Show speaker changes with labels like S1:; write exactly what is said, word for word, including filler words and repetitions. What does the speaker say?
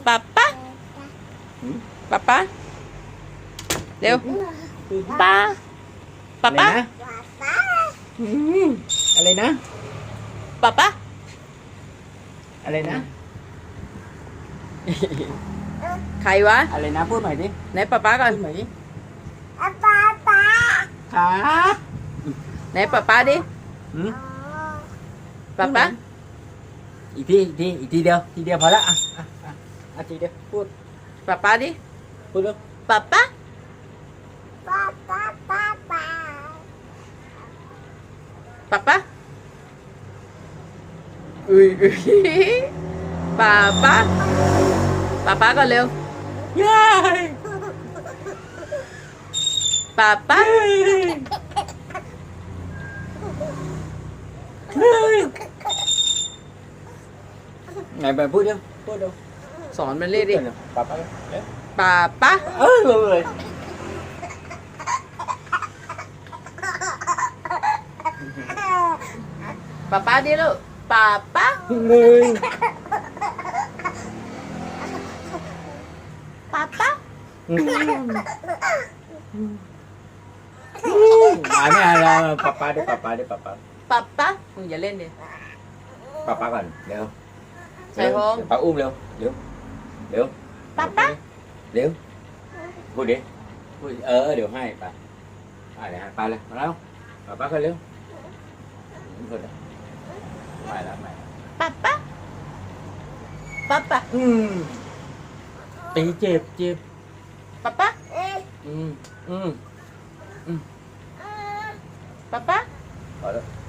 S1: ป๊าป๊าป๊าป๊าเร็วป๊าป๊าป๊า
S2: อืมอะไรนะ
S1: ป๊าป๊า
S2: อะไรนะ
S1: ใครวะ
S2: อะไรนะพูดใหม่ดิ
S1: ไหนป๊าป๊าก่อน
S2: พูดใหม่ดิ
S3: ป๊าป๊าป๊า
S2: ครับ
S1: ไหนป๊าป๊าดิ
S2: อืม
S1: ป๊าป๊า
S2: อีกทีอีกทีอีกทีเดียวทีเดียวพอละอ่ะอ่ะอ่ะอ่ะทีเดียวพูด
S1: ป๊าป๊าดิ
S2: พูดเร็ว
S1: ป๊าป๊า
S3: ป๊าป๊าป๊าป๊า
S1: ป๊าป๊าอุ้ยอุ้ยป๊าป๊าป๊าป๊าก่อนเร็ว
S2: ยาย
S1: ป๊าป๊า
S2: เฮ้ยไงไปพูดเร็วพูดเร็ว
S1: สอนมันเรียกดิ
S2: ป๊าป๊าเร็ว
S1: ป๊าป๊า
S2: เออเลย
S1: ป๊าป๊าดิลูกป๊าป๊า
S2: เลย
S1: ป๊าป๊า
S2: อืมอ่าไม่เอาแล้วป๊าป๊าดิป๊าป๊าดิป๊าป๊า
S1: ป๊าป๊ามึงอย่าเล่นดิ
S2: ป๊าป๊าก่อนเร็ว
S1: ใส่พง
S2: เดี๋ยวป๊าอุ้มเร็วเร็วเร็ว
S1: ป๊าป๊า
S2: เร็วพูดดิพูดเออเดี๋ยวให้ไปไปเลยฮะไปเลยมาแล้วป๊าป๊าขึ้นเร็วพูดดิไปแล้วไป
S1: ป๊าป๊าป๊าป๊า
S2: อืมตีเจ็บเจ็บ
S1: ป๊าป๊า
S2: อืมอืม
S1: ป๊าป๊า
S2: พอแล้ว